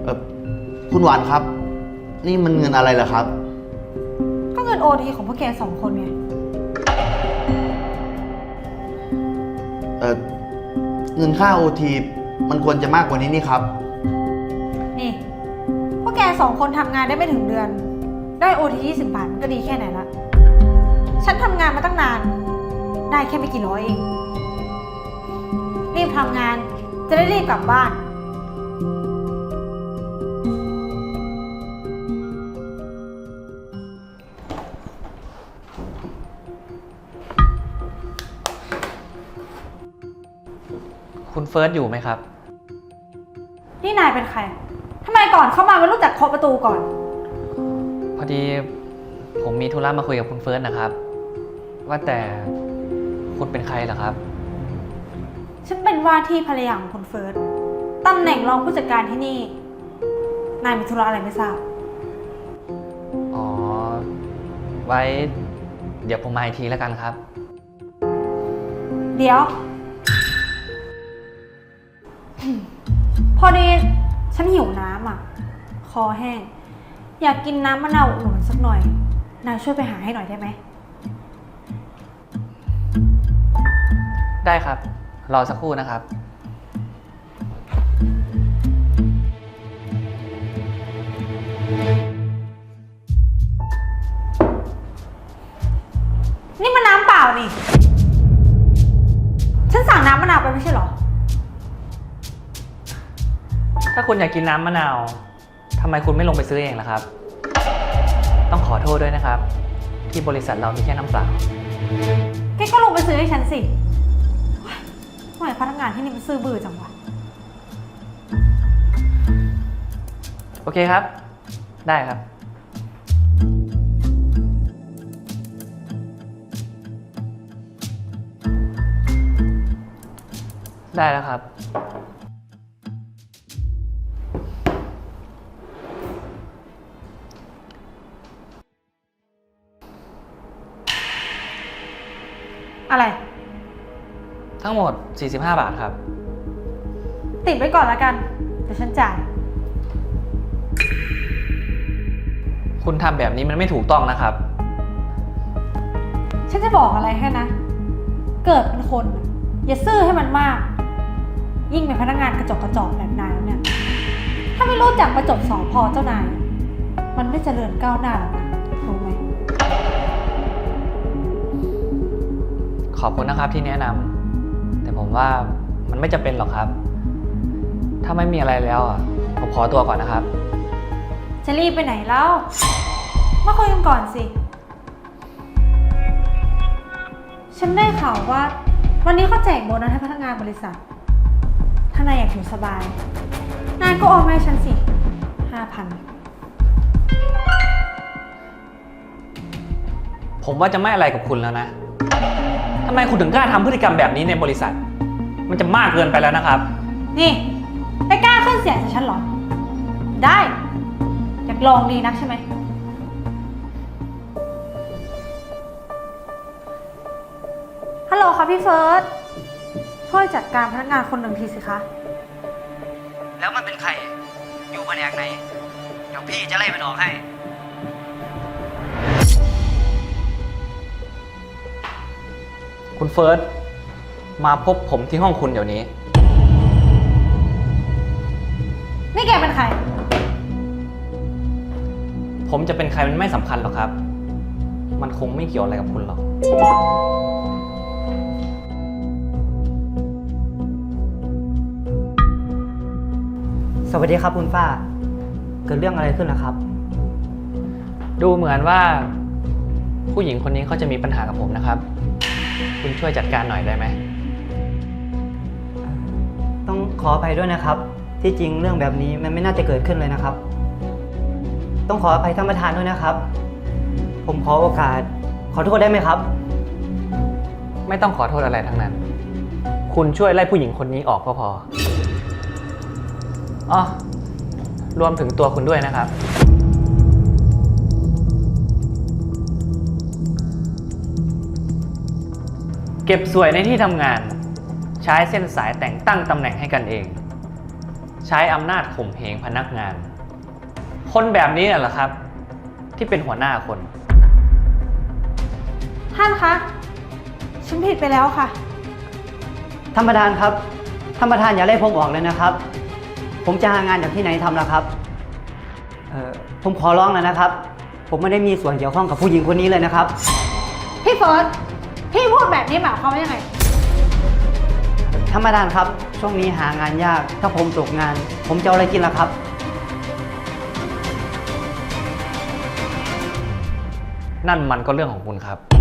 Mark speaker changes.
Speaker 1: อคุณหวานครับ นี่มันเงินอะไรเหรอครับ
Speaker 2: ก็เงินโอทีของพวกแก2 คนไง
Speaker 1: เงินค่าโอทีมันควรจะมากกว่านี้นี่ครับ
Speaker 2: นี่พวกแก2 คนทำงานได้ไม่ถึงเดือน ได้โอที20 บาทมันก็ดีแค่ไหนละฉันทำงานมาตั้งนาน ได้แค่ไม่กี่ร้อยเอง รีบทำงานจะได้รีบกลับบ้าน
Speaker 3: คุณเฟิร์สอยู่ไหมครับ
Speaker 2: นี่นายเป็นใครทำไมก่อนเข้ามาไม่รู้จักเคาะประตูก่อน
Speaker 3: พอดีผมมีธุระมาคุยกับคุณเฟิร์สนะครับ ว่าแต่คุณเป็นใครเหรอครับ
Speaker 2: ฉันเป็นว่าที่ภรรยาของคุณเฟิร์สตำแหน่งรองผู้จัดการที่นี่ นายมีธุระอะไรไม่ทราบ
Speaker 3: อ๋อ ไว้เดี๋ยวผมมาอีกทีแล้วกันครับ
Speaker 2: เดี๋ยว พอดีฉันหิวน้ำอ่ะ คอแห้ง อยากกินน้ำมะนาวอุดหนุนสักหน่อย นายช่วยไปหาให้หน่อยได้ไหม
Speaker 3: ได้ครับ รอสักครู่นะครับ
Speaker 2: นี่มันน้ำเปล่านี่ ฉันสั่งน้ำมะนาวไปไม่ใช่เหรอ
Speaker 3: ถ้าคุณอยากกินน้ำมะนาวทำไมคุณไม่ลงไปซื้อเองล่ะครับ ต้องขอโทษด้วยนะครับ ที่บริษัทเรามีแค่น้ำเปล่า
Speaker 2: แกก็ลงไปซื้อให้ฉันสิทำไมพนักงานที่นี่มันซื่อบื้อจังวะ
Speaker 3: โอเคครับ ได้ครับ ได้แล้วครับ
Speaker 2: อะไร
Speaker 3: ทั้งหมด 45 บาทครับ
Speaker 2: ติดไว้ก่อนแล้วกัน เดี๋ยวฉันจ่าย
Speaker 3: คุณทำแบบนี้มันไม่ถูกต้องนะครับ
Speaker 2: ฉันจะบอกอะไรให้นะ เกิดเป็นคนน่ะอย่าซื่อให้มันมาก ยิ่งเป็นพนักงานกระจอกแบบนายแล้วเนี่ย ถ้าไม่รู้จักประจบสอพอเจ้านาย มันไม่เจริญก้าวหน้าหรอกนะรู้ไหม
Speaker 3: ขอบคุณนะครับที่แนะนำแต่ผมว่ามันไม่จำเป็นหรอกครับ ถ้าไม่มีอะไรแล้วอ่ะผมขอตัวก่อนนะครับ
Speaker 2: จะรีบไปไหนเล่า มาคุยกันก่อนสิ ฉันได้ข่าวว่า วันนี้เขาแจกโบนัสให้พนักงานบริษัท ถ้านายอยากอยู่สบาย นายก็โอนมาให้ฉันสิ 5,000
Speaker 3: ผมว่าจะไม่อะไรกับคุณแล้วนะทำไมคุณถึงกล้าทำพฤติกรรมแบบนี้ในบริษัท มันจะมากเกินไปแล้วนะครับ
Speaker 2: นี่ไปกล้าขึ้นเสียงใส่ฉันเหรอ ได้ อยากลองดีนักใช่ไหม ฮัลโหลค่ะพี่เฟิร์ส ช่วยจัดการพนักงานคนหนึ่งทีสิคะ
Speaker 4: แล้วมันเป็นใคร อยู่แผนกไหน เดี๋ยวพี่จะไล่มันออกให้
Speaker 3: คุณเฟิร์สมาพบผมที่ห้องคุณเดี๋ยวนี้
Speaker 2: นี่แกเป็นใคร
Speaker 3: ผมจะเป็นใครมันไม่สำคัญหรอกครับ มันคงไม่เกี่ยวอะไรกับคุณหรอก
Speaker 4: สวัสดีครับคุณฝ้า เกิดเรื่องอะไรขึ้นนะครับ
Speaker 3: ดูเหมือนว่าผู้หญิงคนนี้เขาจะมีปัญหากับผมนะครับ คุณช่วยจัดการหน่อยได้ไหม
Speaker 4: ต้องขออภัยด้วยนะครับ ที่จริงเรื่องแบบนี้มันไม่น่าจะเกิดขึ้นเลยนะครับ ต้องขออภัยท่านประธานด้วยนะครับ ผมขอโอกาสขอโทษได้ไหมครับ
Speaker 3: ไม่ต้องขอโทษอะไรทั้งนั้น คุณช่วยไล่ผู้หญิงคนนี้ออกก็พออ๋อรวมถึงตัวคุณด้วยนะครับ เก็บสวยในที่ทำงาน ใช้เส้นสายแต่งตั้งตำแหน่งให้กันเองใช้อำนาจข่มเหงพนักงาน คนแบบนี้น่ะเหรอครับ ที่เป็นหัวหน้าคน
Speaker 2: ท่านคะ ฉันผิดไปแล้วค่ะ
Speaker 4: ท่านประธานครับ ท่านประธานอย่าไล่ผมออกเลยนะครับ ผมจะหางานจากที่ไหนทำล่ะครับ ผมขอร้องแล้วนะครับ ผมไม่ได้มีส่วนเกี่ยวข้องกับผู้หญิงคนนี้เลยนะครับ
Speaker 2: พี่เฟิร์ส พี่พูดแบบนี้หมายความว่ายังไง
Speaker 4: ท่านประธานครับ ช่วงนี้หางานยาก ถ้าผมตกงาน ผมจะเอาอะไรกินล่ะครับ
Speaker 3: นั่นมันก็เรื่องของคุณครับ